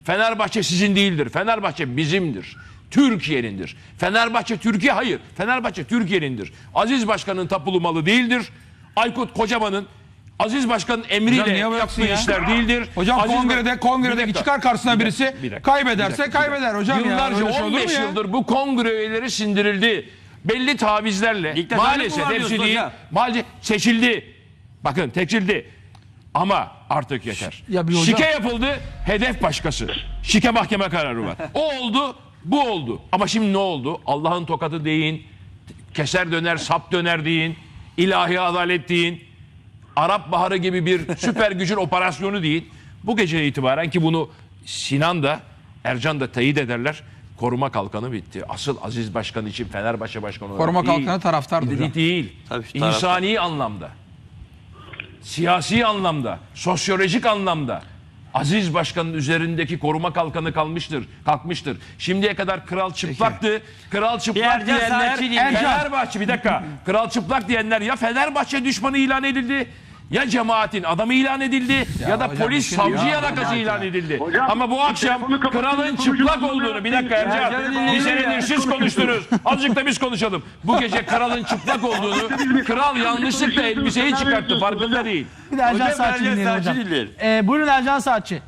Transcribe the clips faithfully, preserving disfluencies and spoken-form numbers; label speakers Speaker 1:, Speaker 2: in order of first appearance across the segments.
Speaker 1: Fenerbahçe sizin değildir. Fenerbahçe bizimdir. Türkiye'nindir. Fenerbahçe Türkiye hayır. Fenerbahçe Türkiye'nindir. Aziz Başkan'ın tapulu malı değildir. Aykut Kocaman'ın Aziz Başkan'ın emriyle yaptığı ya? işler değildir.
Speaker 2: Hocam
Speaker 1: Aziz
Speaker 2: kongrede kongredeki çıkar karşısına
Speaker 1: bir
Speaker 2: birisi
Speaker 1: bir dakika,
Speaker 2: kaybederse
Speaker 1: bir dakika,
Speaker 2: kaybeder hocam.
Speaker 1: Yıllarca
Speaker 2: ya.
Speaker 1: on beş yıldır bu kongre üyeleri sindirildi. Belli tavizlerle
Speaker 3: Diktatörlük
Speaker 1: maalesef
Speaker 3: mü var
Speaker 1: hepsi
Speaker 3: diyorsun
Speaker 1: değil.
Speaker 3: hocam?
Speaker 1: Maalesef seçildi. Bakın seçildi. Ama artık yeter.
Speaker 2: Ya bir hocam-
Speaker 1: Şike yapıldı. Hedef başkası. Şike mahkeme kararı var. O oldu. Bu oldu. Ama şimdi ne oldu? Allah'ın tokadı deyin. Keser döner, sap döner deyin. İlahi adalet deyin. Arap Baharı gibi bir süper gücün operasyonu değil. Bu gece itibaren ki bunu Sinan da Ercan da teyit ederler. Koruma kalkanı bitti. Asıl Aziz Başkan için Fenerbahçe Başkanı olarak
Speaker 2: Koruma
Speaker 1: değil.
Speaker 2: kalkanı taraftardır
Speaker 1: Değil.
Speaker 2: hocam.
Speaker 1: değil.
Speaker 3: Tabii, taraftar.
Speaker 1: İnsani anlamda. Siyasi anlamda. Sosyolojik anlamda. Aziz Başkan'ın üzerindeki koruma kalkanı kalmıştır, kalkmıştır. Şimdiye kadar kral çıplaktı. Kral çıplak
Speaker 3: Ercan
Speaker 1: diyenler
Speaker 3: Saatçi değil.
Speaker 1: Fenerbahçe bir dakika. Kral çıplak diyenler ya Fenerbahçe düşmanı ilan edildi. Ya cemaatin adamı ilan edildi ya,
Speaker 2: Ya
Speaker 1: da
Speaker 2: hocam,
Speaker 1: polis
Speaker 2: bu
Speaker 1: savcı
Speaker 2: şimdi-
Speaker 1: yalakası ilan edildi.
Speaker 4: Hocam,
Speaker 1: Ama bu akşam
Speaker 4: telefonu kapatın,
Speaker 1: kralın
Speaker 4: konuşun,
Speaker 1: çıplak
Speaker 4: konuşun,
Speaker 1: olduğunu bir
Speaker 4: konuşun.
Speaker 1: dakika Ercan.
Speaker 3: Ercan'ı
Speaker 1: Bir
Speaker 3: dinleyelim
Speaker 1: senedir
Speaker 3: ya.
Speaker 1: siz konuştunuz. Azıcık da biz konuşalım. Bu gece kralın çıplak olduğunu kral yanlışlıkla elbiseyi çıkarttı. Farkında değil.
Speaker 5: Bir de Ercan
Speaker 3: Hocam,
Speaker 5: Saatçi
Speaker 3: Ercan
Speaker 5: dinleyelim
Speaker 3: Saatçi
Speaker 5: hocam.
Speaker 3: dinleyelim.
Speaker 5: Ee, buyurun Ercan Saatçi.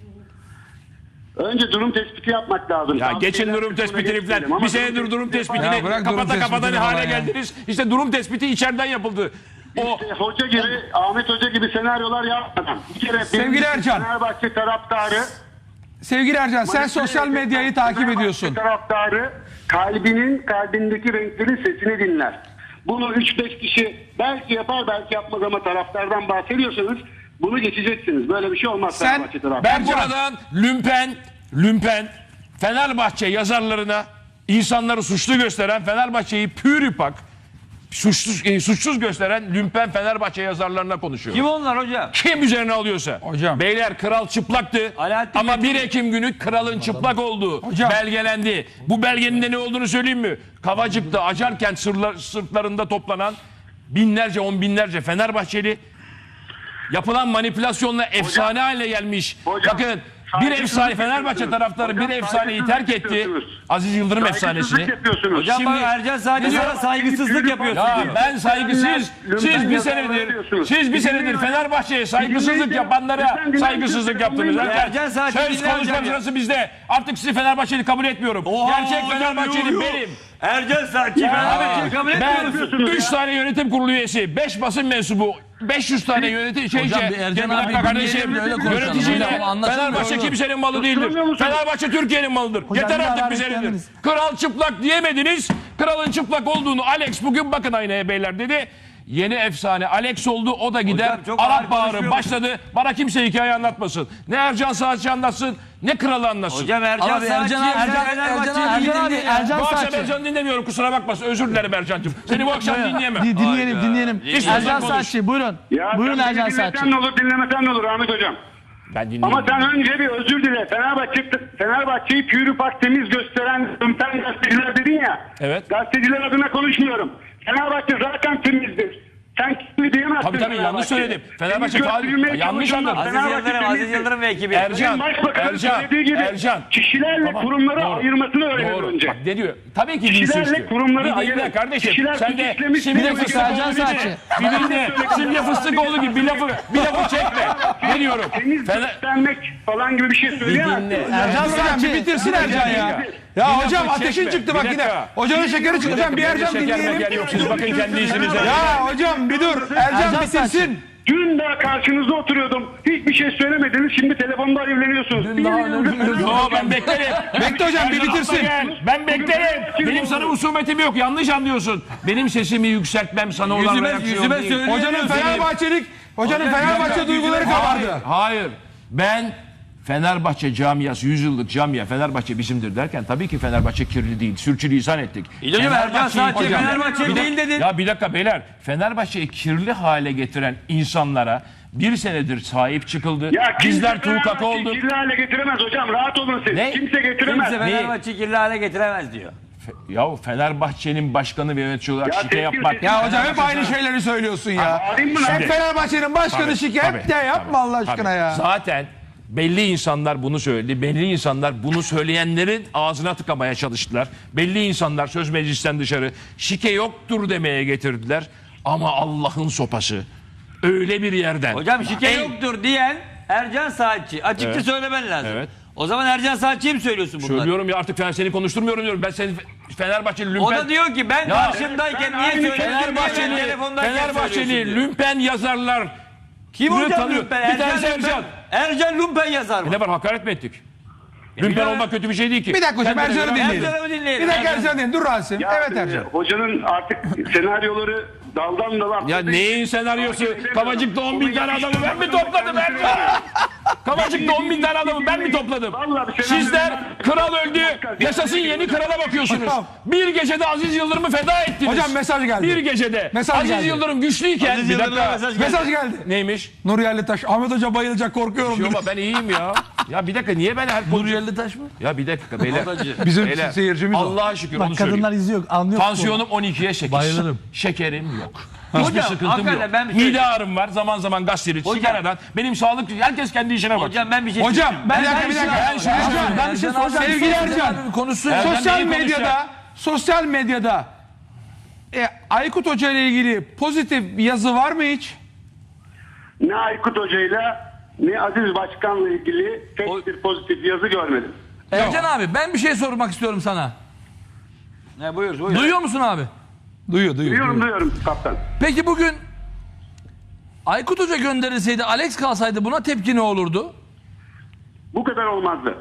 Speaker 4: Önce durum tespiti yapmak lazım.
Speaker 1: Ya
Speaker 4: Tam
Speaker 1: geçin
Speaker 4: şeyler
Speaker 1: durum
Speaker 4: kısmına
Speaker 1: tespitini
Speaker 4: geçmeyelim
Speaker 1: falan.
Speaker 4: ama
Speaker 1: Bir senedir durum tespitini
Speaker 2: Ya bırak durum
Speaker 1: kapata kapata
Speaker 2: tespitini
Speaker 1: hale
Speaker 2: falan ya.
Speaker 1: geldiniz. İşte durum tespiti içeriden yapıldı. O
Speaker 4: İşte hoca gibi, Ahmet Hoca gibi senaryolar yapmadan. Bir kere
Speaker 2: Sevgili
Speaker 4: birincisi
Speaker 2: Ercan.
Speaker 4: Fenerbahçe taraftarı.
Speaker 2: Sevgili Ercan sen
Speaker 4: manipüle
Speaker 2: sosyal
Speaker 4: eden
Speaker 2: medyayı takip
Speaker 4: Fenerbahçe
Speaker 2: ediyorsun.
Speaker 4: taraftarı kalbinin, kalbindeki renklerin sesini dinler. Bunu üç beş kişi belki yapar belki yapmaz ama taraftardan bahsediyorsanız bunu geçeceksiniz. Böyle bir şey olmaz
Speaker 2: Sen-
Speaker 4: Fenerbahçe taraftarı.
Speaker 1: ben buradan lümpen, lümpen Fenerbahçe yazarlarına insanları suçlu gösteren Fenerbahçe'yi pürüpak suçsuz, e, suçsuz gösteren lümpen Fenerbahçe yazarlarına konuşuyorum.
Speaker 3: Kim onlar hocam?
Speaker 1: Kim üzerine alıyorsa.
Speaker 2: Hocam.
Speaker 1: Beyler kral çıplaktı.
Speaker 3: Alaaddin
Speaker 1: Ama
Speaker 3: Metin-
Speaker 1: bir Ekim günü kralın çıplak olduğu
Speaker 2: Hocam.
Speaker 1: belgelendi. Bu belgenin de ne olduğunu söyleyeyim mi? Kavacık'ta Acarkent sırla, sırtlarında toplanan binlerce on binlerce Fenerbahçeli yapılan manipülasyonla efsane haline gelmiş.
Speaker 4: Hocam,
Speaker 1: Bakın bir
Speaker 4: saygısızlık
Speaker 1: efsane Fenerbahçe
Speaker 4: yapıyorsunuz.
Speaker 1: taraftarı bir
Speaker 4: Hocam,
Speaker 1: efsaneyi terk
Speaker 4: saygısızlık
Speaker 1: etti.
Speaker 4: yapıyorsunuz.
Speaker 1: Aziz Yıldırım
Speaker 4: Saygısızlık
Speaker 1: efsanesini.
Speaker 4: yapıyorsunuz.
Speaker 3: Hocam
Speaker 1: Şimdi-
Speaker 3: bak Ercan Saatçi
Speaker 1: Şimdi-
Speaker 3: sana saygısızlık yapıyorsun
Speaker 1: Ya
Speaker 3: diyor.
Speaker 1: ben saygısız, siz bir senedir, siz bir senedir Fenerbahçe'ye saygısızlık yapanlara saygısızlık yaptınız.
Speaker 3: Ercan
Speaker 1: Ercan,
Speaker 3: Saatçi
Speaker 1: söz
Speaker 3: dinle
Speaker 1: konuşma
Speaker 3: hocam ya.
Speaker 1: sırası bizde. Artık sizi Fenerbahçeli kabul etmiyorum.
Speaker 3: Oha,
Speaker 1: Gerçek
Speaker 3: hocam,
Speaker 1: Fenerbahçeli
Speaker 3: yuh, yuh.
Speaker 1: benim.
Speaker 3: Ercan Saatçi Fenerbahçe'yi kabul
Speaker 1: Ben
Speaker 3: etmiyorsun.
Speaker 1: üç tane yönetim kurulu üyesi, beş basın mensubu, beş yüz tane yönetim şey
Speaker 5: Hocam
Speaker 1: şey.
Speaker 5: bir Ercan
Speaker 1: Bir dakika
Speaker 5: abi
Speaker 1: kardeşim,
Speaker 5: dinleyelim, öyle konuşalım.
Speaker 1: yöneticiyle
Speaker 5: Hocam, anlaşılmıyor.
Speaker 1: Fenerbahçe kimsenin malı değildir.
Speaker 4: Konuşamıyor musunuz?
Speaker 1: Fenerbahçe Türkiye'nin malıdır.
Speaker 5: Hocam,
Speaker 1: Yeter
Speaker 5: bir
Speaker 1: artık
Speaker 5: ara
Speaker 1: bize nedir?
Speaker 5: beklemeniz.
Speaker 1: Kral çıplak diyemediniz. Kralın çıplak olduğunu Alex bugün bakın aynaya beyler dedi. Yeni efsane Alex oldu. O da gider.
Speaker 3: Hocam, çok ağır
Speaker 1: Arap Baharı
Speaker 3: konuşuyor
Speaker 1: başladı. Bana kimse hikaye anlatmasın. Ne Ercan Saatçi anlatsın, ne kralı anlatsın.
Speaker 3: Hocam Ercan
Speaker 5: Abi
Speaker 3: Saatçi
Speaker 5: Ercan abi, Ercan,
Speaker 3: Fenerbahçe'yi
Speaker 5: Ercan abi,
Speaker 3: dinle ya.
Speaker 5: Ercan
Speaker 1: bu akşam
Speaker 5: Saatçi.
Speaker 1: Ercan'ı dinlemiyorum. Kusura bakmasın. Özür dilerim Ercan'cığım. Seni bu akşam dinleyemem.
Speaker 5: Di- dinleyelim
Speaker 3: Hayda.
Speaker 5: dinleyelim.
Speaker 3: Dinleyelim.
Speaker 5: Ercan
Speaker 1: Konuş.
Speaker 5: Saatçi buyurun.
Speaker 4: Ya
Speaker 5: Buyurun
Speaker 4: sen
Speaker 5: Ercan
Speaker 4: beni
Speaker 5: Saatçi.
Speaker 4: dinlesen ne olur dinlemesen ne olur Ahmet Hocam.
Speaker 1: Ben dinliyorum.
Speaker 4: Ama sen önce bir özür dile. Fenerbahçe, Fenerbahçe'yi pürüpak temiz gösteren ümpen gazeteciler dedin ya.
Speaker 1: Evet.
Speaker 4: Gazeteciler adına konuşmuyorum. Fenerbahçe zaten temizdir. Sen kimi diyemezsin.
Speaker 1: Tabii tabii yanlış
Speaker 4: Fenerbahçe'yi.
Speaker 1: söyledim. Fenerbahçe
Speaker 4: Temiz
Speaker 1: faal
Speaker 4: göstermeye
Speaker 1: yanlış
Speaker 4: çalışanlar
Speaker 1: anladın.
Speaker 3: Aziz
Speaker 4: Fenerbahçe
Speaker 3: Yıldırım, Aziz
Speaker 4: temizdir.
Speaker 3: Yıldırım ve ekibi.
Speaker 1: Ercan,
Speaker 4: Başbakanın
Speaker 1: Ercan,
Speaker 4: söylediği gibi
Speaker 1: Ercan.
Speaker 4: kişilerle
Speaker 1: Tamam,
Speaker 4: kurumları
Speaker 1: doğru.
Speaker 4: ayırmasını öğrenir
Speaker 1: Doğru.
Speaker 4: önce.
Speaker 1: Bak ne diyor? Tabii ki
Speaker 4: Kişilerle
Speaker 1: cinsiyetçi.
Speaker 4: kurumları
Speaker 1: Bir dinle
Speaker 4: ayırır.
Speaker 1: kardeşim.
Speaker 4: Kişiler
Speaker 1: Sen de
Speaker 4: suç
Speaker 1: simge
Speaker 4: işlemiş,
Speaker 1: fıstıkoğlu
Speaker 5: Ercan
Speaker 1: gibi.
Speaker 5: Saatçi.
Speaker 1: Bir dinle. Simge fıstıkoğlu gibi bir lafı, bir lafı çekme. Ne diyorum?
Speaker 4: Temiz
Speaker 1: Fener...
Speaker 4: göstermek falan gibi bir şey
Speaker 1: Bir
Speaker 4: söyleyemezsin.
Speaker 1: dinle.
Speaker 5: Ercan
Speaker 2: Hocam bir
Speaker 5: Saatçi.
Speaker 2: bitirsin Ercan ya. Ya
Speaker 1: Bir
Speaker 2: hocam
Speaker 1: lafı
Speaker 2: ateşin
Speaker 1: çekme.
Speaker 2: çıktı
Speaker 1: Bir
Speaker 2: bak yine.
Speaker 1: dakika.
Speaker 2: Hocanın şekeri çıktı. Hocam bir
Speaker 1: Bende
Speaker 2: Ercan
Speaker 1: şeker meker
Speaker 2: dinleyelim.
Speaker 1: yok. Siz bakın kendi işinize.
Speaker 2: Ya hocam bir dur. Ercan
Speaker 5: Ercan
Speaker 2: bitirsin.
Speaker 4: Dün daha karşınızda oturuyordum. Hiçbir şey söylemediniz. Şimdi telefonda evleniyorsunuz.
Speaker 5: Dün daha önemli-
Speaker 1: Yo ben beklerim.
Speaker 2: Bekle hocam bir
Speaker 1: Ercan
Speaker 2: bitirsin.
Speaker 1: atla gel. Ben beklerim. Benim sana husumetim yok. Yanlış anlıyorsun. Benim sesimi yükseltmem sana olan
Speaker 3: Yüzüme-
Speaker 1: reaksiyon
Speaker 3: yüzüme
Speaker 1: değil.
Speaker 3: söyle.
Speaker 2: Hocanın Fenerbahçelik, hocanın Fenerbahçe duyguları kabardı.
Speaker 1: Hayır. Ben Fenerbahçe camiası, yüz yıllık camia, Fenerbahçe bizimdir derken tabii ki Fenerbahçe kirli değil. Sürçülisan ettik.
Speaker 3: İyi hocam, Ercan Saatçi
Speaker 1: Hocam,
Speaker 3: Fenerbahçe
Speaker 1: bir
Speaker 3: değil
Speaker 1: dakika-
Speaker 3: dedin.
Speaker 1: Ya bir dakika beyler. Fenerbahçe'yi kirli hale getiren insanlara bir senedir sahip çıkıldı.
Speaker 4: Ya kimse
Speaker 1: Bizler tukaka
Speaker 4: Fenerbahçe'yi
Speaker 1: olduk.
Speaker 4: kirli hale getiremez hocam. Rahat olun siz.
Speaker 1: Ne?
Speaker 4: Kimse getiremez.
Speaker 3: Kimse Fenerbahçe'yi kirli hale getiremez diyor.
Speaker 1: Ya Fenerbahçe'nin başkanı ve yönetici olarak
Speaker 4: Ya
Speaker 1: şike
Speaker 4: sevgili
Speaker 1: yapmak.
Speaker 4: seyirci-
Speaker 2: Ya hocam hep aynı şeyleri söylüyorsun ya.
Speaker 4: Arayayım mı lan?
Speaker 2: Hep Fenerbahçe'nin başkanı
Speaker 1: Tabii,
Speaker 2: şike.
Speaker 1: tabii,
Speaker 2: Hep de yapma
Speaker 1: tabii,
Speaker 2: Allah
Speaker 1: tabii.
Speaker 2: aşkına ya.
Speaker 1: Zaten Belli insanlar bunu söyledi. Belli insanlar bunu söyleyenlerin ağzına tıkamaya çalıştılar. Belli insanlar söz meclisten dışarı şike yoktur demeye getirdiler. Ama Allah'ın sopası öyle bir yerden.
Speaker 3: Hocam şike
Speaker 1: En-
Speaker 3: yoktur diyen Ercan Saatçi. Açıkça
Speaker 1: Evet.
Speaker 3: söylemen lazım.
Speaker 1: Evet.
Speaker 3: O zaman Ercan Saatçi'ye mi söylüyorsun bunları?
Speaker 1: Söylüyorum ya artık ben seni konuşturmuyorum diyorum. Ben seni Fenerbahçeli lümpen...
Speaker 3: O da diyor ki ben
Speaker 1: Ya,
Speaker 3: karşımdayken
Speaker 4: ben
Speaker 3: niye
Speaker 4: aynı
Speaker 3: söylüyorsun?
Speaker 1: Fenerbahçeli,
Speaker 3: Telefondayken
Speaker 1: Fenerbahçeli
Speaker 3: söylüyorsun diyor.
Speaker 1: lümpen yazarlar.
Speaker 3: Kim
Speaker 1: Bunu
Speaker 3: hocam
Speaker 1: tanıyor.
Speaker 3: Lümpen?
Speaker 1: Bir tanesi
Speaker 3: Ercan
Speaker 1: Ercan.
Speaker 3: Lümpen. Ercan Lümpen yazar mı?
Speaker 1: Ne var hakaret mi ettik? Lümpen
Speaker 3: biliyorum.
Speaker 1: olmak kötü bir şey değil ki.
Speaker 2: Bir dakika hocam
Speaker 1: Kendine
Speaker 2: Ercan'ı
Speaker 1: göre-
Speaker 2: dinleyelim.
Speaker 3: Ercan'ı dinleyelim.
Speaker 2: Bir dakika
Speaker 3: Ercan.
Speaker 2: Ercan dinleyelim. Dur Rasim.
Speaker 4: Ya,
Speaker 2: Evet Ercan.
Speaker 4: Hocanın artık senaryoları daldan dala.
Speaker 1: Ya neyin senaryosu? Kavacık'ta on bin tane adamı ben mi topladım Ercan? Kavacık'ta on bin tane adamı ben mi topladım?
Speaker 4: Vallahi bir senaryo-
Speaker 1: Sizler kral öldü, yaşasın yeni krala bakıyorsunuz.
Speaker 2: Hocam.
Speaker 1: Bir gecede Aziz Yıldırım'ı feda ettiniz.
Speaker 2: Hocam mesaj geldi.
Speaker 1: Bir gecede.
Speaker 2: Mesaj
Speaker 1: Aziz
Speaker 2: geldi.
Speaker 1: Yıldırım güçlüyken.
Speaker 3: Aziz
Speaker 1: Bir
Speaker 3: Yıldırım'a
Speaker 1: dakika.
Speaker 3: mesaj geldi.
Speaker 2: Mesaj geldi.
Speaker 1: Neymiş?
Speaker 2: Nur Yerlitaş. Ahmet Hoca bayılacak korkuyorum.
Speaker 1: Yok
Speaker 2: dedi.
Speaker 1: ama ben iyiyim ya. Ya bir dakika niye ben her
Speaker 3: Nur Yerlitaş mı?
Speaker 1: Ya bir dakika beyler.
Speaker 2: Bizim
Speaker 1: Beyler,
Speaker 2: seyircimiz o.
Speaker 1: Allah'a şükür
Speaker 5: Bak
Speaker 1: onu söyleyeyim.
Speaker 5: kadınlar izliyor, anlıyor.
Speaker 1: Tansiyonum on ikiye sekiz.
Speaker 5: Bayılırım.
Speaker 1: Şekerim yok. Hiçbir
Speaker 3: Hocam,
Speaker 1: sıkıntım
Speaker 3: hakikaten
Speaker 1: yok.
Speaker 3: ben bir şey-
Speaker 1: Mide ağrım var. Zaman zaman gastrit,
Speaker 3: Hocam.
Speaker 1: sigaradan. Benim sağlık... Herkes kendi işine bak.
Speaker 3: Hocam ben bir şey
Speaker 2: Hocam bir dakika
Speaker 3: ben
Speaker 2: bir
Speaker 3: şu
Speaker 2: dakika.
Speaker 3: an-
Speaker 1: Ben şunu
Speaker 2: Ercan,
Speaker 1: söyleyeyim.
Speaker 2: ben bir şey soracağım. Sevgili Ercan.
Speaker 5: Konuşsun.
Speaker 1: Ercan
Speaker 2: Sosyal
Speaker 1: neyi
Speaker 2: medyada
Speaker 1: konuşacak?
Speaker 2: sosyal medyada e, Aykut Hoca ile ilgili pozitif bir yazı var mı hiç?
Speaker 4: Ne Aykut Hoca'yla ne Aziz Başkan'la ilgili tek
Speaker 3: O-
Speaker 4: bir pozitif yazı görmedim.
Speaker 6: Ercan abi ben bir şey sormak istiyorum sana.
Speaker 3: Ne buyur buyur.
Speaker 6: Duyuyor musun abi?
Speaker 2: Duyuyor duyuyor.
Speaker 4: Duyuyorum
Speaker 2: duyuyor.
Speaker 4: duyuyorum kaptan.
Speaker 6: Peki bugün Aykut Hoca gönderilseydi, Alex kalsaydı buna tepki ne olurdu?
Speaker 4: Bu kadar olmazdı.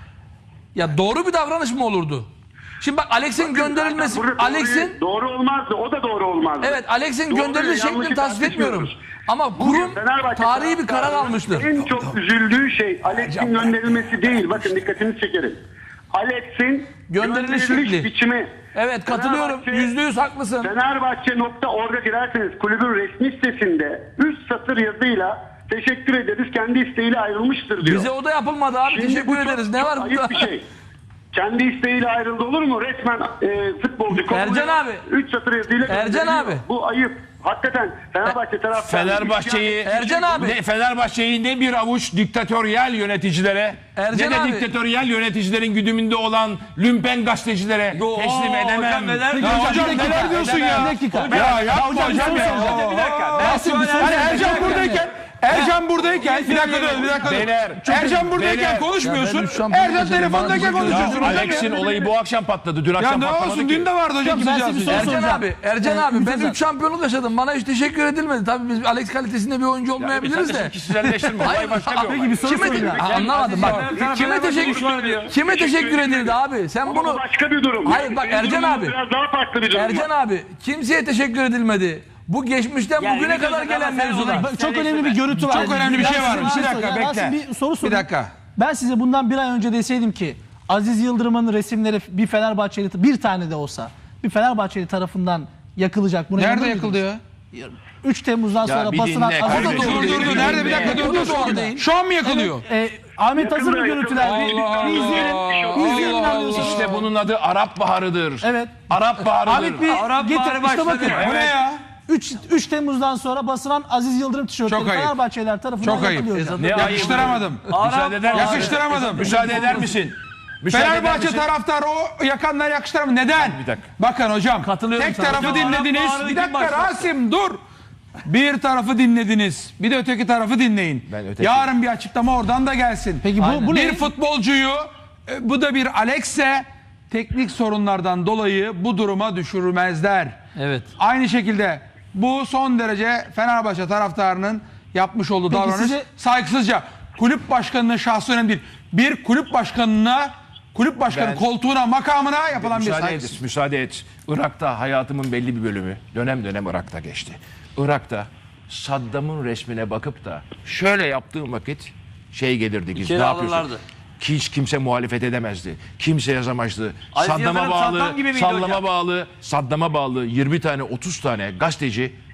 Speaker 6: Ya doğru bir davranış mı olurdu? Şimdi bak Alex'in gönderilmesi,
Speaker 4: Burada doğruyu-
Speaker 6: Alex'in
Speaker 4: doğru olmazdı. O da doğru olmazdı.
Speaker 6: evet Alex'in
Speaker 4: Doğruyu,
Speaker 6: gönderiliş
Speaker 4: yanlışı
Speaker 6: şeklini tasvip etmiyorum.
Speaker 4: tartışmıyoruz.
Speaker 6: Ama
Speaker 4: Bugün
Speaker 6: kurum
Speaker 4: Fenerbahçe
Speaker 6: tarihi bir karar
Speaker 4: taraftarının
Speaker 6: almıştır.
Speaker 4: En çok üzüldüğü şey Alex'in gönderilmesi değil. Bakın dikkatinizi çekerim. Alex'in
Speaker 6: Gönderiliş
Speaker 4: gönderiliş
Speaker 6: şekli.
Speaker 4: biçimi.
Speaker 6: Evet katılıyorum.
Speaker 4: Fenerbahçe-
Speaker 6: Yüzde yüz haklısın.
Speaker 4: Fenerbahçe nokta org'a girerseniz kulübün resmi sitesinde üst satır yazıyla teşekkür ederiz kendi isteğiyle ayrılmıştır diyor.
Speaker 6: Bize o da yapılmadı abi.
Speaker 4: Şimdi
Speaker 6: Teşekkür
Speaker 4: bu çok-
Speaker 6: ederiz. Ne
Speaker 4: çok
Speaker 6: var
Speaker 4: ayıp
Speaker 6: bunda?
Speaker 4: bir şey. Kendi isteğiyle ayrıldı olur mu? Resmen e, futbolcu.
Speaker 6: Ercan abi.
Speaker 4: üç satır yazıyla
Speaker 6: Ercan
Speaker 4: gönderiliyor.
Speaker 6: abi.
Speaker 4: Bu ayıp. Hakikaten Fenerbahçe taraftarı.
Speaker 1: Fenerbahçe'yi
Speaker 6: Ercan abi.
Speaker 1: ne, Fenerbahçe'yi ne bir avuç diktatöryel yöneticilere
Speaker 6: Ercan
Speaker 1: ne de
Speaker 6: abi.
Speaker 1: diktatöryel yöneticilerin güdümünde olan lümpen gazetecilere
Speaker 3: Yo,
Speaker 1: teslim
Speaker 3: hocam
Speaker 1: edemem.
Speaker 3: neler-
Speaker 2: Ya hocam neler diyorsun ya?
Speaker 5: Bir dakika.
Speaker 2: Ya yapma hocam ya.
Speaker 3: Bir dakika. Ben şu an
Speaker 2: Hani
Speaker 3: Ercan-
Speaker 2: Ercan buradayken Ercan buradayken bir dakika dur bir dakika dur.
Speaker 1: Beyler,
Speaker 2: Ercan buradayken
Speaker 1: beyler.
Speaker 2: konuşmuyorsun.
Speaker 5: Ya benim şampiyon
Speaker 2: Ercan
Speaker 5: hocam,
Speaker 2: telefondayken
Speaker 5: bana bir şey
Speaker 2: konuşuyorsun hocam
Speaker 1: Alex'in
Speaker 2: ya.
Speaker 1: olayı bu akşam patladı. Dün
Speaker 2: Ya
Speaker 1: akşam
Speaker 2: ne
Speaker 1: patlamadı
Speaker 2: olsun
Speaker 1: ki.
Speaker 2: dün de vardı hocam
Speaker 5: Peki, ben
Speaker 2: sıcağı
Speaker 5: size bir
Speaker 2: sıcağı.
Speaker 5: soru
Speaker 6: Ercan
Speaker 5: soracağım.
Speaker 6: abi, Ercan
Speaker 5: Ee,
Speaker 6: abi ben
Speaker 5: Ümit
Speaker 6: üç şampiyonluk yaşadım. Bana hiç teşekkür edilmedi. Tabii biz Alex kalitesinde bir oyuncu olmayabiliriz de.
Speaker 1: Kişiselleştirme. Olay başka bir olay.
Speaker 5: Peki bir soru
Speaker 6: Kime,
Speaker 5: soracağım.
Speaker 6: Ha, anlamadım bak.
Speaker 3: Sen-
Speaker 6: Kime
Speaker 3: sen-
Speaker 6: teşekkür
Speaker 3: sen- diyor.
Speaker 6: Kime teşekkür edildi abi? Sen
Speaker 4: Ama
Speaker 6: bunu
Speaker 4: bu başka bir durum.
Speaker 6: Hayır, bak
Speaker 4: Benim
Speaker 6: Ercan
Speaker 4: durumum
Speaker 6: abi.
Speaker 4: Biraz daha farklı bir durum.
Speaker 6: Ercan
Speaker 4: var.
Speaker 6: abi kimseye teşekkür edilmedi. Bu geçmişten
Speaker 3: Yani
Speaker 6: bugüne
Speaker 3: bir
Speaker 6: kadar
Speaker 3: dakika,
Speaker 6: gelen
Speaker 3: ama sen
Speaker 6: mevzular.
Speaker 3: olay-
Speaker 5: Bak, çok önemli bir görüntü var.
Speaker 2: Çok önemli bir şey
Speaker 5: Ben
Speaker 2: var.
Speaker 5: size
Speaker 2: Bir
Speaker 5: şey
Speaker 2: dakika,
Speaker 5: soracağım.
Speaker 2: bekle.
Speaker 5: Rasim, bir soru sorayım.
Speaker 2: dakika.
Speaker 5: Ben size bundan bir ay önce deseydim ki Aziz Yıldırım'ın resimleri bir Fenerbahçeli bir tane de olsa bir Fenerbahçeli tarafından yakılacak. Buna
Speaker 2: Nerede
Speaker 5: inanır
Speaker 2: yakıldı
Speaker 5: mıydınız?
Speaker 2: ya?
Speaker 5: üç Temmuz'dan
Speaker 1: Ya
Speaker 5: sonra
Speaker 1: bir
Speaker 5: basılan
Speaker 1: dinle
Speaker 5: Aziz
Speaker 1: kardeşim.
Speaker 2: Dur dur dur nerede bir dakika dur dur dur. Şu an mı yakılıyor?
Speaker 5: e, Ahmet Hazır'ın
Speaker 4: Yakında,
Speaker 5: görüntüler.
Speaker 4: yakında.
Speaker 5: Bir,
Speaker 4: Allah
Speaker 5: bir izleyelim.
Speaker 4: Allah.
Speaker 5: Bir izleyelim
Speaker 2: Allah
Speaker 5: inanmıyorsanız.
Speaker 1: İşte bunun adı Arap Baharı'dır.
Speaker 5: Evet.
Speaker 1: Arap Baharı'dır.
Speaker 5: Ahmet bir
Speaker 3: Arap
Speaker 5: getir.
Speaker 3: Baharı
Speaker 5: İşte
Speaker 3: başladı.
Speaker 5: bakın.
Speaker 2: Bu ne ya?
Speaker 5: üç Temmuz'dan sonra basılan Aziz Yıldırım tişörtleri
Speaker 2: Çok ayıp.
Speaker 5: Fenerbahçeliler tarafından
Speaker 2: Çok ayıp.
Speaker 5: yakılıyor hocam.
Speaker 1: Ne
Speaker 2: Yakıştıramadım.
Speaker 1: Müsaade eder misin?
Speaker 2: Yakıştıramadım.
Speaker 1: Müsaade eder misin? Müsaade eder
Speaker 2: Fenerbahçe
Speaker 1: misin?
Speaker 2: taraftarı o yakanlar yakıştıramadı. Neden?
Speaker 1: Bir dakika.
Speaker 2: Bakın hocam.
Speaker 6: Katılıyorum
Speaker 2: Tek
Speaker 6: sana.
Speaker 2: tarafı
Speaker 3: Hocam,
Speaker 2: dinlediniz.
Speaker 3: Arap
Speaker 2: Bir
Speaker 3: Baharı'nı kim
Speaker 2: dakika
Speaker 3: başlattı?
Speaker 2: Rasim dur. Bir tarafı dinlediniz. Bir de öteki tarafı dinleyin.
Speaker 1: Ben öteki-
Speaker 2: Yarın bir açıklama oradan da gelsin.
Speaker 5: Peki bu, bu
Speaker 2: bir
Speaker 5: ne?
Speaker 2: futbolcuyu e, bu da bir Alex'e teknik sorunlardan dolayı bu duruma düşürmezler.
Speaker 6: Evet.
Speaker 2: Aynı şekilde bu son derece Fenerbahçe taraftarının yapmış olduğu
Speaker 5: Peki
Speaker 2: davranış
Speaker 5: size-
Speaker 2: saygısızca. Kulüp başkanının şahsı önemli değil. Bir kulüp başkanına, kulüp başkanı
Speaker 1: Ben-
Speaker 2: koltuğuna, makamına yapılan bir
Speaker 1: Müsaade
Speaker 2: saygısızlık.
Speaker 1: et, müsaade et. Irak'ta hayatımın belli bir bölümü dönem dönem Irak'ta geçti. Irak'ta Saddam'ın resmine bakıp da şöyle yaptığım vakit şey gelirdi biz
Speaker 3: İçeri
Speaker 1: ne yapıyorsun?
Speaker 3: alırlardı.
Speaker 1: Ki hiç kimse muhalefet edemezdi. Kimse yazamazdı.
Speaker 3: Aziz
Speaker 1: Saddam'a
Speaker 3: Yıldırım
Speaker 1: bağlı,
Speaker 3: Saddam gibi miydi
Speaker 1: sallama
Speaker 3: hocam?
Speaker 1: bağlı, Saddam'a bağlı yirmi tane otuz tane gazeteci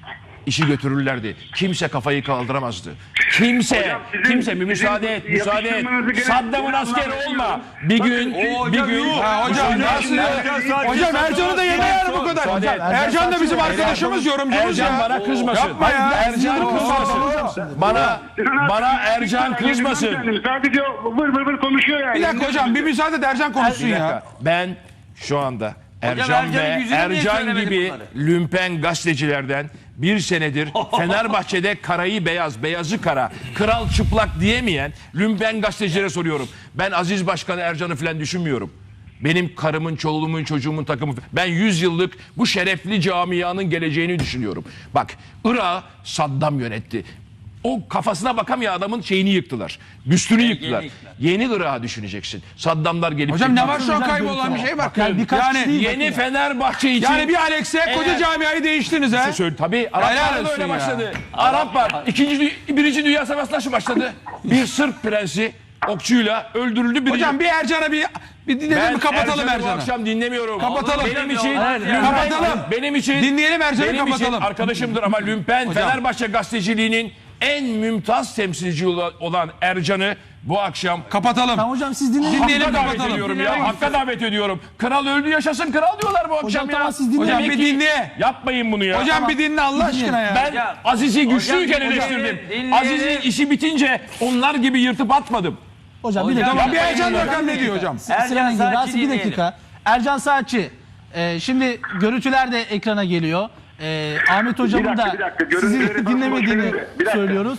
Speaker 1: işi götürürlerdi. Kimse kafayı kaldıramazdı. Kimse,
Speaker 4: Hocam sizin-
Speaker 1: kimse bir müsaade et,
Speaker 4: sizin
Speaker 1: müsaade et.
Speaker 4: yapıştırmanızı gerek-
Speaker 1: Saddam'ın askeri olma. Bir gün,
Speaker 3: o
Speaker 1: bir
Speaker 3: hocam
Speaker 1: gün.
Speaker 3: yok.
Speaker 2: Ha, hocam
Speaker 1: Müsaade
Speaker 2: nasıl
Speaker 1: et.
Speaker 2: ya? Hocam Ercan'ı da yeme yani bu kadar.
Speaker 1: Müsaade et.
Speaker 2: Ercan da bizim
Speaker 5: Ercan-
Speaker 2: arkadaşımız, yorumcumuz
Speaker 1: Ercan
Speaker 2: ya.
Speaker 1: bana kızmasın.
Speaker 2: Yapma ya.
Speaker 1: Ercan
Speaker 2: Oo.
Speaker 1: kızmasın. Bana, bana Ercan kızmasın.
Speaker 4: Sadece vır vır vır konuşuyor yani.
Speaker 2: Bir dakika hocam bir müsaade et Ercan konuşsun
Speaker 1: Bir
Speaker 2: ya.
Speaker 1: dakika. Ben şu anda Ercan
Speaker 3: Ercan'ın
Speaker 1: ve
Speaker 3: yüzüne niye
Speaker 1: Ercan
Speaker 3: söylemedin
Speaker 1: gibi
Speaker 3: bunları?
Speaker 1: lümpen gazetecilerden bir senedir Fenerbahçe'de karayı beyaz, beyazı kara, kral çıplak diyemeyen lümpen gazetecilere soruyorum. Ben Aziz Başkan'ı, Ercan'ı falan düşünmüyorum. Benim karımın, çoluğumun, çocuğumun takımı. Ben yüz yıllık bu şerefli camianın geleceğini düşünüyorum. Bak, Irak'ı Saddam yönetti. O kafasına bakamayan adamın şeyini yıktılar. Büstünü yıktılar.
Speaker 3: yıktılar.
Speaker 1: Yeni Irak'ı düşüneceksin. Saddamlar gelip...
Speaker 2: Hocam ne
Speaker 1: gidiyor.
Speaker 2: var şu an
Speaker 5: Hocam,
Speaker 2: kaybolan bir şey bak.
Speaker 5: Yani birkaç
Speaker 2: Yani,
Speaker 5: kişi değil.
Speaker 1: Yeni Fenerbahçe için...
Speaker 2: yani bir Alex'e koca
Speaker 1: Eğer-
Speaker 2: camiayı değiştiniz ha.
Speaker 1: Söyle, tabii
Speaker 2: Helal
Speaker 1: Araplar da
Speaker 2: olsun
Speaker 1: öyle
Speaker 2: ya.
Speaker 1: başladı. Arap var. İkinci, dü- birinci Dünya Savaşı nasıl başladı? Bir Sırp prensi okçuyla öldürüldü. Birinci...
Speaker 2: Hocam bir Ercan'a bir bir dinleyelim
Speaker 1: ben
Speaker 2: mi? Kapatalım
Speaker 1: Ercan'ı bu
Speaker 2: Ercan'ı.
Speaker 1: akşam dinlemiyorum.
Speaker 2: Kapatalım.
Speaker 1: Benim için,
Speaker 3: Hayır,
Speaker 1: lümpen-
Speaker 2: kapatalım.
Speaker 1: Benim için,
Speaker 2: Dinleyelim Ercan'ı,
Speaker 1: benim için
Speaker 2: kapatalım.
Speaker 1: arkadaşımdır ama lümpen
Speaker 2: Hocam.
Speaker 1: Fenerbahçe gazeteciliğinin en mümtaz temsilci olan Ercan'ı bu akşam
Speaker 2: Kapatalım.
Speaker 5: Tamam hocam siz dinleyin.
Speaker 2: Dinleyelim,
Speaker 1: Hakka davet
Speaker 2: kapatalım.
Speaker 1: ediyorum ya. Hakka davet ediyorum. Kral öldü yaşasın kral diyorlar bu akşam
Speaker 5: Hocam
Speaker 1: ya.
Speaker 5: tamam siz dinleyin.
Speaker 2: Hocam
Speaker 1: Demek
Speaker 2: bir
Speaker 1: ki-
Speaker 2: dinle.
Speaker 1: Yapmayın bunu ya.
Speaker 2: Hocam bir dinle Allah aşkına ya.
Speaker 1: Ben
Speaker 3: Hocam-
Speaker 1: Aziz'i güçlüyken
Speaker 3: Hocam,
Speaker 1: eleştirdim.
Speaker 3: dinleyelim.
Speaker 1: Aziz'in işi bitince onlar gibi yırtıp atmadım.
Speaker 5: Hocam bir
Speaker 3: Hocam,
Speaker 5: dakika.
Speaker 2: Tamam bir Ercan
Speaker 3: Hocam,
Speaker 2: bakalım ne diyor hocam.
Speaker 3: Ercan
Speaker 5: Sinan Engin,
Speaker 3: Saatçi
Speaker 5: Rasim, bir
Speaker 3: dinleyelim.
Speaker 5: dakika. Ercan Saatçi. e, şimdi görüntüler de ekrana geliyor. E, Ahmet hocamın
Speaker 4: dakika,
Speaker 5: da
Speaker 4: bir dakika.
Speaker 5: sizi
Speaker 4: Görüntüleri
Speaker 5: dinlemediğini
Speaker 4: bakın, bir dakika.
Speaker 5: söylüyoruz.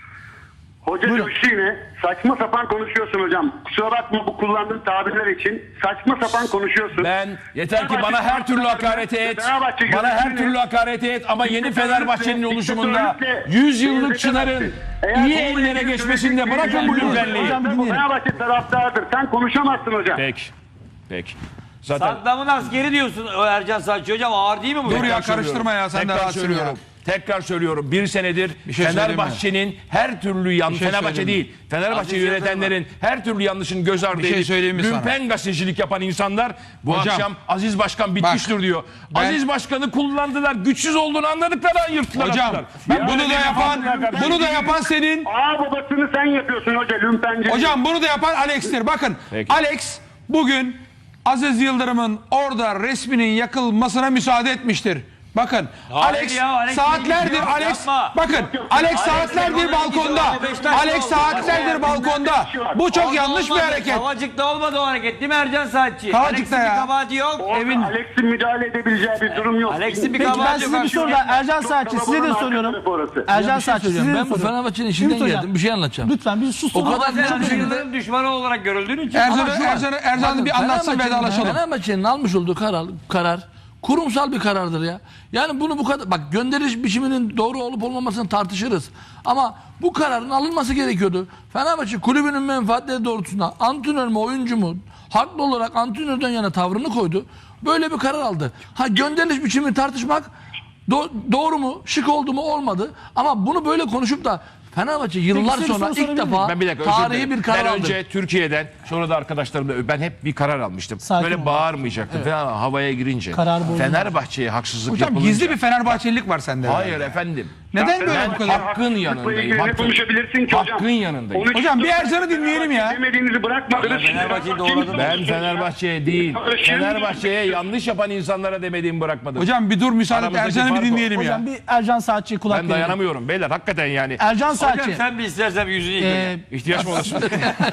Speaker 4: Hoca
Speaker 5: Buyurun.
Speaker 4: coştu yine. Saçma sapan konuşuyorsun hocam. Kusura bakma bu kullandığın tabirler için. Saçma sapan konuşuyorsun.
Speaker 1: Ben yeter ki bana her türlü hakareti et. Bana her türlü hakareti et ama yeni Fenerbahçe'nin oluşumunda yüz yıllık Çınar'ın iyi ellere geçmesinde bırakın bu lümpenliği.
Speaker 5: Hocam dinleyelim.
Speaker 4: Fenerbahçe taraftarıdır. Sen konuşamazsın hocam.
Speaker 1: Peki. Peki. Zaten
Speaker 3: Saddam'ın askeri diyorsun o Ercan Saatçi hocam, ağır değil mi bu?
Speaker 2: Dur ya,
Speaker 1: Tekrar
Speaker 2: karıştırma ya, sen de
Speaker 1: Tekrar
Speaker 2: rahatsın
Speaker 1: söylüyorum. Tekrar söylüyorum. Bir senedir
Speaker 2: Bir şey söyleyeyim mi?
Speaker 1: Fenerbahçe'nin her türlü yan
Speaker 2: şey
Speaker 1: Fenerbahçe
Speaker 2: söyleyeyim
Speaker 1: değil. Fenerbahçe
Speaker 3: Aziz
Speaker 1: yönetenlerin her türlü yanlışın göz ardı
Speaker 2: Bir şey
Speaker 1: edip
Speaker 2: söyleyeyim mi sana?
Speaker 1: lümpen gazetecilik yapan insanlar bu
Speaker 2: Hocam,
Speaker 1: akşam Aziz Başkan bitmiştir diyor.
Speaker 2: ben-
Speaker 1: Aziz Başkan'ı kullandılar. Güçsüz olduğunu anladıkları an yırttılar.
Speaker 2: Hocam
Speaker 1: attılar.
Speaker 2: ben bunu da
Speaker 1: böyle
Speaker 2: yapan
Speaker 1: bir-
Speaker 2: bunu da yapan senin.
Speaker 4: Ağ babasını sen yapıyorsun hoca lümpenci.
Speaker 2: Hocam bunu da yapan Alex'tir. Bakın
Speaker 1: Peki.
Speaker 2: Alex bugün Aziz Yıldırım'ın orada resminin yakılmasına müsaade etmiştir. Bakın Alex
Speaker 3: ya, Alex
Speaker 2: saatlerdir
Speaker 3: yok,
Speaker 2: Alex
Speaker 3: yapma.
Speaker 2: bakın Alex saatlerdir
Speaker 3: Alex
Speaker 2: balkonda.
Speaker 3: yok, Beşiktaş
Speaker 2: Alex
Speaker 3: oldu.
Speaker 2: saatlerdir balkonda. Bu çok
Speaker 3: Oldu,
Speaker 2: yanlış bir
Speaker 3: olmadı.
Speaker 2: hareket.
Speaker 3: Kavacık'ta olmadı o hareket değil mi Ercan Saatçi?
Speaker 2: Kavacık'ta
Speaker 3: Alex'in
Speaker 2: ya.
Speaker 3: bir kabahati yok.
Speaker 4: Orada
Speaker 2: evin-
Speaker 4: Alex'in müdahale edebileceği bir durum yok.
Speaker 3: Alex'in bir
Speaker 5: Peki ben
Speaker 3: kabahati
Speaker 5: size
Speaker 3: yok.
Speaker 5: bir soru daha. Ercan Saatçi size de soruyorum. Ercan Saatçi size de
Speaker 6: Ben bu
Speaker 5: soruyorum.
Speaker 6: Fenerbahçe'nin işinden
Speaker 5: Ümit hocam,
Speaker 6: geldim. Bir şey anlatacağım.
Speaker 5: Lütfen bir sus.
Speaker 6: O kadar
Speaker 3: Ama
Speaker 6: net
Speaker 3: sen
Speaker 6: bir şekilde...
Speaker 3: Yıldırım düşmanı olarak görüldüğün için.
Speaker 2: Ercan'ı
Speaker 6: Ama şu var.
Speaker 2: Ercan'ı Ercan'ı bir
Speaker 6: Bakın,
Speaker 2: anlatsın
Speaker 6: Fenerbahçe'nin-
Speaker 2: vedalaşalım.
Speaker 6: Fenerbahçe'nin almış olduğu karar, karar kurumsal bir karardır ya. Yani bunu bu kadar bak gönderiş biçiminin doğru olup olmamasını tartışırız. Ama bu kararın alınması gerekiyordu. Fenerbahçe kulübünün menfaatleri doğrultusunda antrenör mü oyuncu mu haklı olarak antrenörden yana tavrını koydu. Böyle bir karar aldı. Ha gönderiş biçimini tartışmak do- doğru mu, şık oldu mu olmadı. Ama bunu böyle konuşup da Fenerbahçe yıllar
Speaker 5: size bir
Speaker 6: sonra
Speaker 5: soru
Speaker 6: ilk
Speaker 5: sorabilir
Speaker 6: defa
Speaker 1: Ben bir dakika özür
Speaker 6: tarihi
Speaker 1: dilerim.
Speaker 6: bir karar
Speaker 1: Ben
Speaker 6: aldı.
Speaker 1: önce Türkiye'den sonra da arkadaşlarımla ben hep bir karar almıştım.
Speaker 5: Sakin
Speaker 1: Böyle
Speaker 5: olun.
Speaker 1: bağırmayacaktım falan havaya girince.
Speaker 5: Karar bozulmaz.
Speaker 1: Fenerbahçe'ye haksızlık
Speaker 2: Hocam
Speaker 1: yapılınca.
Speaker 2: gizli bir Fenerbahçelilik var sende.
Speaker 1: Hayır efendim.
Speaker 2: Neden böyle
Speaker 1: Ben
Speaker 2: bu kadar?
Speaker 1: hakkın yanındayım.
Speaker 4: Ne
Speaker 1: Hakkın,
Speaker 4: konuşabilirsin ki hocam?
Speaker 1: hakkın yanındayım.
Speaker 4: Onu
Speaker 2: Hocam bir
Speaker 4: çıktı-
Speaker 2: Ercan'ı dinleyelim ya.
Speaker 4: Demediğinizi bırakmadınız.
Speaker 3: Fenerbahçe'yi doğradın.
Speaker 1: Ben Fenerbahçe'ye değil, Fenerbahçe'ye yanlış yapan insanlara demediğimi bırakmadım.
Speaker 2: Hocam bir dur müsaade et
Speaker 1: Aramızdaki
Speaker 2: Ercan'ı bir
Speaker 1: fark o.
Speaker 2: dinleyelim ya.
Speaker 5: Hocam bir Ercan Saatçi'ye kulak
Speaker 1: ben
Speaker 5: verelim.
Speaker 1: dayanamıyorum beyler hakikaten yani.
Speaker 5: Ercan
Speaker 3: Hocam
Speaker 5: Saatçi.
Speaker 3: sen bir istersen bir yüzünü yıka.
Speaker 5: e,
Speaker 1: İhtiyaç mı olursun?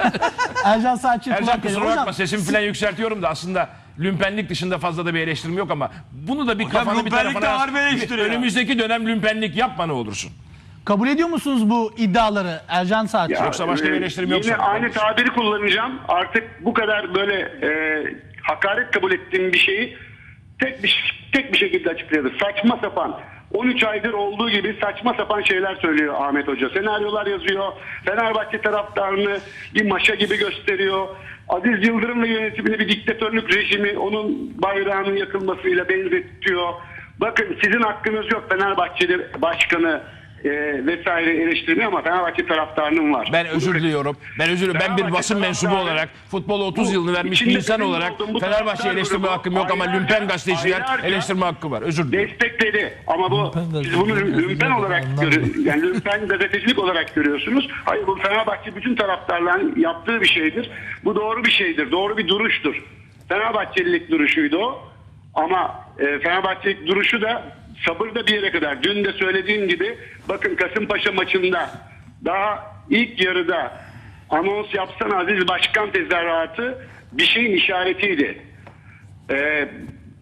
Speaker 5: Ercan Saatçi'ye
Speaker 1: Ercan
Speaker 5: kulak verelim.
Speaker 1: kusura bakma
Speaker 5: Hocam
Speaker 1: sesimi falan yükseltiyorum da aslında lümpenlik dışında fazla da bir eleştirim yok ama bunu da bir kafanı bir
Speaker 3: lümpenlik de
Speaker 1: tarafına
Speaker 3: harbi eleştiri ya.
Speaker 1: önümüzdeki dönem lümpenlik yapma ne olursun.
Speaker 5: kabul ediyor musunuz bu iddiaları Ercan Saatçi?
Speaker 4: Ya,
Speaker 1: Yoksa başka bir
Speaker 4: e,
Speaker 1: eleştirim yok
Speaker 4: Yine
Speaker 1: sana.
Speaker 4: aynı tabiri kullanacağım. Artık bu kadar böyle e, hakaret kabul ettiğim bir şeyi tek bir tek bir şekilde açıkladı. Saçma sapan. on üç aydır olduğu gibi saçma sapan şeyler söylüyor Ahmet Hoca. Senaryolar yazıyor. Fenerbahçe taraftarını bir maşa gibi gösteriyor. Aziz Yıldırım ve yönetimini bir diktatörlük rejimi onun bayrağının yakılmasıyla benzetiyor. Bakın sizin hakkınız yok Fenerbahçeli başkanı e, vesaire eleştirmiyor ama Fenerbahçe taraftarının var.
Speaker 1: Ben özür diliyorum. Ben özür diliyorum. Ben bir
Speaker 4: Fenerbahçe
Speaker 1: basın mensubu
Speaker 4: taraftarı-
Speaker 1: olarak futbola otuz
Speaker 4: Bu
Speaker 1: yılını vermiş bir
Speaker 4: içinde
Speaker 1: insan
Speaker 4: benim
Speaker 1: olarak
Speaker 4: olduğum bu
Speaker 1: Fenerbahçe'yi
Speaker 4: taraftar
Speaker 1: eleştirme
Speaker 4: grubu
Speaker 1: hakkım yok ama
Speaker 4: aylarca-
Speaker 1: lümpen gazeteciler
Speaker 4: aylarca
Speaker 1: eleştirme hakkı var. Özür dilerim.
Speaker 4: Destekledi ama bu siz bunu lümpen olarak görü yani lümpen gazetecilik olarak görüyorsunuz. Hayır, bu Fenerbahçe bütün taraftarların yaptığı bir şeydir. Bu doğru bir şeydir. Doğru bir duruştur. Fenerbahçelilik duruşuydu o. Ama e, Fenerbahçelik duruşu da sabır da bir yere kadar. Dün de söylediğim gibi bakın Kasımpaşa maçında daha ilk yarıda anons yapsana Aziz Başkan tezahüratı bir şeyin işaretiydi. Eee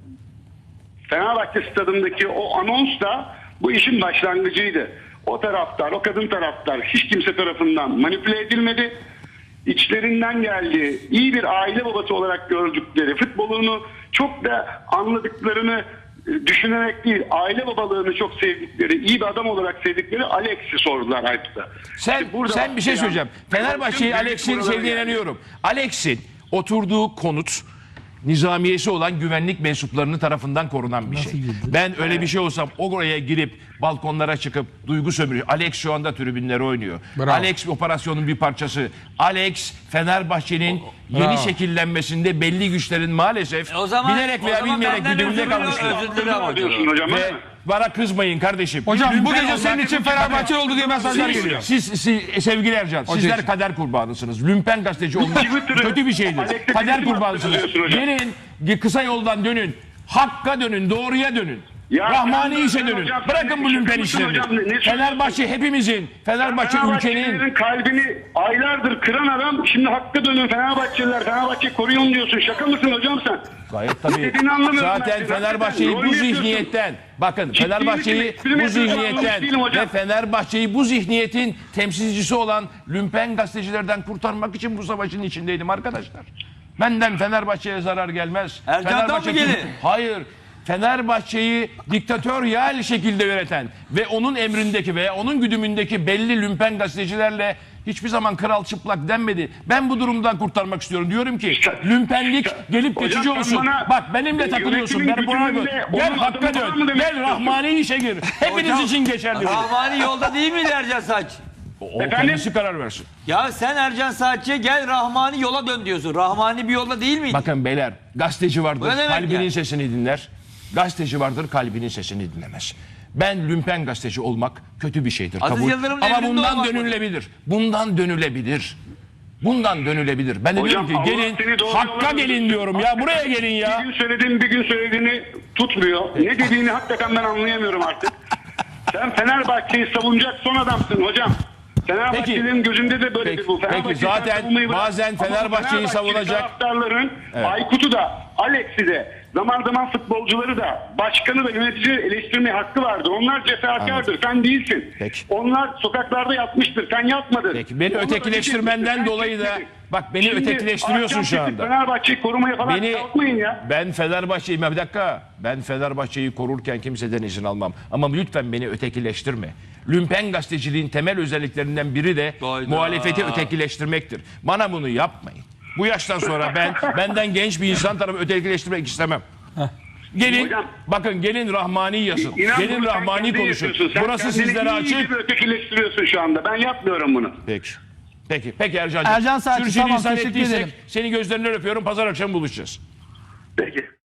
Speaker 4: Fenerbahçe stadındaki o anons da bu işin başlangıcıydı. O taraftar, o kadın taraftar hiç kimse tarafından manipüle edilmedi. İçlerinden geldi. İyi bir aile babası olarak gördükleri, futbolunu çok da anladıklarını e, düşünerek değil, aile babalığını çok sevdikleri, iyi bir adam olarak sevdikleri Alex'i sordular Aykut'a.
Speaker 1: Sen
Speaker 4: İşte burada
Speaker 1: sen bir şey
Speaker 4: başlayan-
Speaker 1: söyleyeceğim. Fenerbahçe'yi
Speaker 4: Bütün
Speaker 1: Alex'in
Speaker 4: buralara
Speaker 1: sevdiğine
Speaker 4: geldi.
Speaker 1: inanıyorum. Alex'in oturduğu konut nizamiyesi olan güvenlik mensuplarının tarafından korunan bir şey. Ben öyle bir şey olsam oraya girip balkonlara çıkıp duygu sömürü. Alex şu anda tribünlere oynuyor.
Speaker 2: Bravo.
Speaker 1: Alex operasyonun bir parçası. Alex Fenerbahçe'nin yeni şekillenmesinde belli güçlerin maalesef
Speaker 3: E o zaman-
Speaker 1: bilerek
Speaker 3: o
Speaker 1: veya
Speaker 3: zaman
Speaker 1: bilmeyerek
Speaker 3: benden
Speaker 1: güdümünde
Speaker 3: özür
Speaker 1: kalmışlar.
Speaker 3: diliyorum, özür dilerim ama
Speaker 4: diyorsun
Speaker 3: diyorum.
Speaker 4: hocam.
Speaker 1: Ve
Speaker 4: öyle mi?
Speaker 1: bana kızmayın kardeşim.
Speaker 2: Hocam bu
Speaker 1: Lümpen
Speaker 2: gece
Speaker 1: olmak-
Speaker 2: senin için Fenerbahçe oldu diye mesajlar
Speaker 1: siz,
Speaker 2: geliyor.
Speaker 1: siz, siz- sevgili Ercan, sizler
Speaker 2: için.
Speaker 1: kader kurbanısınız. Lümpen gazeteci olmak
Speaker 4: Twitter'ı-
Speaker 1: kötü bir şeydir.
Speaker 4: Alex'e
Speaker 1: Kader
Speaker 4: Twitter'ı
Speaker 1: kurbanısınız.
Speaker 4: hatırlıyorsun hocam.
Speaker 1: Gelin kısa yoldan dönün. Hakka dönün, doğruya dönün.
Speaker 4: Ya
Speaker 1: Rahmani
Speaker 4: sen-
Speaker 1: işe
Speaker 4: sen
Speaker 1: dönün.
Speaker 4: hocam,
Speaker 1: Bırakın
Speaker 4: sen
Speaker 1: bu
Speaker 4: ne
Speaker 1: lümpen
Speaker 4: düşünüyorsun
Speaker 1: işlerini.
Speaker 4: hocam? Ne- ne söylüyorsun?
Speaker 1: Fenerbahçe hepimizin, Fenerbahçe ülkenin.
Speaker 4: Fenerbahçelilerin kalbini aylardır kıran adam şimdi hakka dönün Fenerbahçeliler. Fenerbahçe koruyun diyorsun. Şaka mısın hocam sen?
Speaker 1: Gayet tabii.
Speaker 4: dediğini anlamıyorum ben
Speaker 1: Zaten
Speaker 4: senin.
Speaker 1: Fenerbahçe'yi
Speaker 4: Rol
Speaker 1: bu
Speaker 4: yapıyorsun.
Speaker 1: zihniyetten, bakın
Speaker 4: Ciddi
Speaker 1: Fenerbahçe'yi
Speaker 4: misin? Espri mi
Speaker 1: bu
Speaker 4: yapıyorsun?
Speaker 1: zihniyetten
Speaker 4: Anlamış değilim hocam.
Speaker 1: ve Fenerbahçe'yi bu zihniyetin temsilcisi olan lümpen gazetecilerden kurtarmak için bu savaşın içindeydim arkadaşlar. Benden Fenerbahçe'ye zarar gelmez.
Speaker 3: Ercan'dan mı gelir?
Speaker 1: Hayır. Fenerbahçe'yi diktatöryal şekilde yöneten ve onun emrindeki veya onun güdümündeki belli lümpen gazetecilerle hiçbir zaman kral çıplak denmedi. Ben bu durumdan kurtarmak istiyorum. Diyorum ki lümpenlik gelip
Speaker 4: Hocam
Speaker 1: geçici
Speaker 4: sen
Speaker 1: olsun.
Speaker 4: bana
Speaker 1: Bak benimle takılıyorsun.
Speaker 4: yönetimin
Speaker 1: Ben buna
Speaker 4: gücünle
Speaker 1: gel.
Speaker 4: onun
Speaker 1: Gel
Speaker 4: adamı
Speaker 1: hakka
Speaker 4: var
Speaker 1: dön.
Speaker 4: mı demek
Speaker 1: Gel
Speaker 4: istiyorsun?
Speaker 1: Rahmani işe gir. Hepiniz
Speaker 3: Hocam,
Speaker 1: için geçerli bu.
Speaker 3: Rahmani yolda değil miydi Ercan Saç?
Speaker 1: O
Speaker 4: Efendim?
Speaker 1: kendisi karar versin.
Speaker 3: Ya sen Ercan Saatçi'ye gel Rahmani yola dön diyorsun. Rahmani bir yolda değil miydi?
Speaker 1: Bakın beyler, gazeteci vardır,
Speaker 3: Bu ne demek
Speaker 1: kalbinin
Speaker 3: yani?
Speaker 1: sesini dinler. Gazeteci vardır, kalbinin sesini dinlemez. Ben lümpen gazeteci olmak kötü bir şeydir.
Speaker 3: Aziz
Speaker 1: kabul.
Speaker 3: Yıldırım'ın
Speaker 1: Ama
Speaker 3: emrinde
Speaker 1: bundan
Speaker 3: olmak mı?
Speaker 1: dönülebilir. Bundan dönülebilir. Bundan dönülebilir. Ben de
Speaker 4: Hocam,
Speaker 1: diyorum ki
Speaker 4: Allah
Speaker 1: gelin
Speaker 4: seni doğru
Speaker 1: hakka
Speaker 4: yola
Speaker 1: gelin
Speaker 4: götürsün.
Speaker 1: diyorum ya. Buraya gelin ya.
Speaker 4: Bir gün söylediğin bir gün söylediğini tutmuyor. Ne dediğini hakikaten ben anlayamıyorum artık. Sen Fenerbahçe'yi savunacak son adamsın hocam. Fenerbahçe'nin gözünde de böyledir
Speaker 1: Peki,
Speaker 4: bu.
Speaker 1: peki,
Speaker 4: Fenerbahçe'yi
Speaker 1: zaten
Speaker 4: sen savunmayı bırak.
Speaker 1: bazen
Speaker 4: Ama
Speaker 1: Fenerbahçe'yi
Speaker 4: Fenerbahçeli
Speaker 1: savunacak-
Speaker 4: taraftarların Aykut'u da, Alex'i de, zaman zaman futbolcuları da, başkanı da, yöneticileri eleştirmeye hakkı vardır. Onlar cefakardır. Sen değilsin.
Speaker 1: Peki.
Speaker 4: Onlar sokaklarda yatmıştır. Sen yatmadın.
Speaker 1: Peki, beni
Speaker 4: Onlar
Speaker 1: ötekileştirmenden
Speaker 4: öteki-
Speaker 1: dolayı da-
Speaker 4: sen
Speaker 1: bak, beni
Speaker 4: Şimdi
Speaker 1: ötekileştiriyorsun şu
Speaker 4: ahkam kesip
Speaker 1: anda.
Speaker 4: Fenerbahçe'yi korumaya falan
Speaker 1: Beni,
Speaker 4: kalkmayın ya.
Speaker 1: ben Fenerbahçe'yi, bir dakika, ben Fenerbahçe'yi korurken kimseden izin almam. Ama lütfen beni ötekileştirme. Lümpen gazeteciliğin temel özelliklerinden biri de
Speaker 3: Hayda.
Speaker 1: muhalefeti ötekileştirmektir. Bana bunu yapmayın. Bu yaştan sonra ben benden genç bir insan tarafı ötekileştirmek istemem. Gelin,
Speaker 4: Hocam,
Speaker 1: bakın gelin Rahmani yazın.
Speaker 4: İnan
Speaker 1: Gelin
Speaker 4: bunu sen
Speaker 1: Rahmani
Speaker 4: kendin
Speaker 1: konuşun.
Speaker 4: yapıyorsun. Sen
Speaker 1: Burası
Speaker 4: kendini
Speaker 1: sizlere
Speaker 4: iyi
Speaker 1: açık.
Speaker 4: gibi ötekileştiriyorsun şu anda. Ben yapmıyorum bunu.
Speaker 1: Peki. Peki, peki Ercan'cığım.
Speaker 5: Ercan Saatçi,
Speaker 1: Sürçülisan
Speaker 5: tamam, teşekkür
Speaker 1: ettiysek
Speaker 5: ederim.
Speaker 1: Seni gözlerinden öpüyorum. Pazar akşamı buluşacağız.
Speaker 4: Peki.